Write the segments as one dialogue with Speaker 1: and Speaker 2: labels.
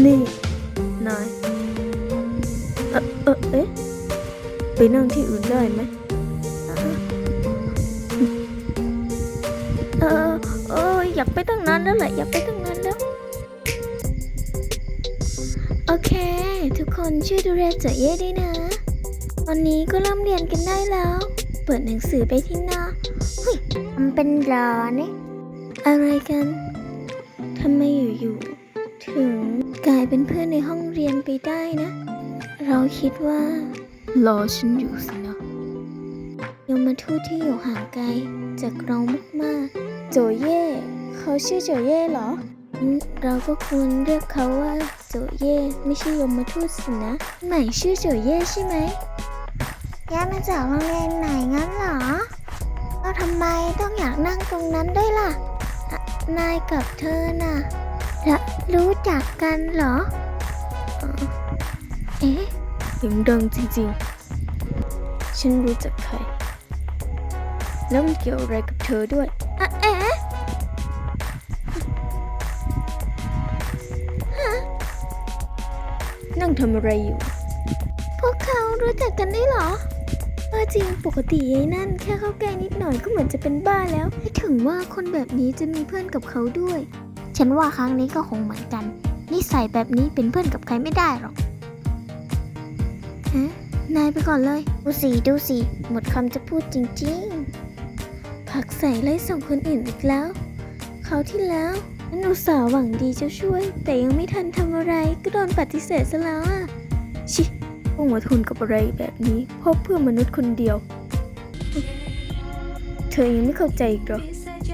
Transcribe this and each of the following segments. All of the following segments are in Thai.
Speaker 1: นี่นายเอ๊ะไปนั่งที่อื่นได้ไหมอยากไปตั้งนานแล้วแหละอยากไปตั้งนานแล้วโอเคทุกคนช่วยดูแลเจ๋อเย่ด้วยนะวันนี้ก็เริ่มเรียนกันได้แล้วเปิดหนังสือไปที่หน้าเฮ้ยมันเป็นรอเนี่ยอะไรกันทำไมอยู่ๆถึงกลายเป็นเพื่อนในห้องเรียนไปได้นะเราคิดว่ารอฉันอยู่สินะยมทูตที่อยู่ห่างไกลจากเรามากๆโจเย่เขาชื่อโจเย่เหรอเราก็ควรเรียกเขาว่าโจเย่ไม่ใช่ยมทูตสินะใหม่ชื่อโจเย่ใช่ไหมย้ายมาจากโรงเรียนไหนงั้นเหรอแล้วทำไมต้องอยากนั่งตรงนั้นด้วยล่ะนายกับเธอน่ะรู้จักกันเหรอเอ๊ะเสียงดังจริงๆฉันรู้จักใครแล้วมันเกี่ยวอะไรกับเธอด้วยเอ๊ะนั่งทำอะไรอยู่พวกเขารู้จักกันได้เหรอจริงปกติยายนั่นแค่เข้าใกล้นิดหน่อยก็เหมือนจะเป็นบ้าแล้วไม่ถึงว่าคนแบบนี้จะมีเพื่อนกับเขาด้วยฉันว่าครั้งนี้ก็คงเหมือนกันนิสัยแบบนี้เป็นเพื่อนกับใครไม่ได้หรอกนายไปก่อนเลยดูสิหมดคำจะพูดจริงๆผักใส่ไล่ส่งคนอื่นอีกแล้วเขาที่แล้วนันอุตส่าห์หวังดีจะช่วยแต่ยังไม่ทันทำอะไรก็โดนปฏิเสธซะแล้วอ่ะชิต้องมาทนกับอะไรแบบนี้เพราะเพื่อมนุษย์คนเดียวเธอยังไม่เข้าใจอีกเหรอ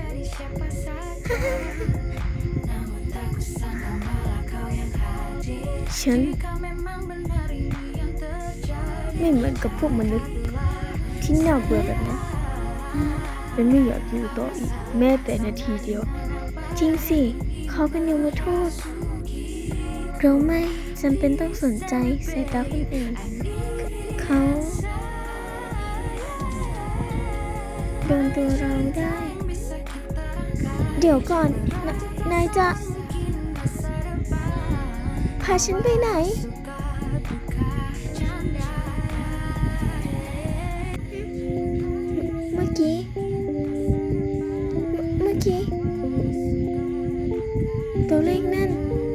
Speaker 1: ฉันไม่เหมือนกับพวกมนุษย์ที่น่าเบื่อแบบนั้นฉันไม่อยากอยู่ต่ออีกแม้แต่นาทีเดียวจริงสิเขาเป็นยมทูตเราไม่จำเป็นต้องสนใจสายตาคนอื่นเขาโดนตัวเราได้เดี๋ยวก่อนนายจะพาฉันไปไหนเมื่อกี้ตัวเลขนั่น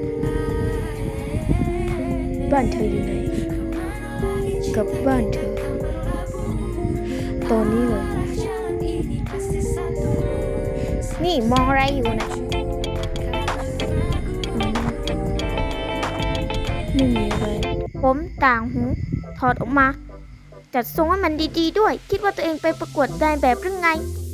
Speaker 1: บ้านเธออยู่ไหนกับบ้านเธอตอนนี้เลยนี่มองอะไรอยู่นะไม่มีอะไรผมต่างหูถอดออกมาจัดทรงให้มันดีๆด้วยคิดว่าตัวเองไปประกวดนายแบบหรือไง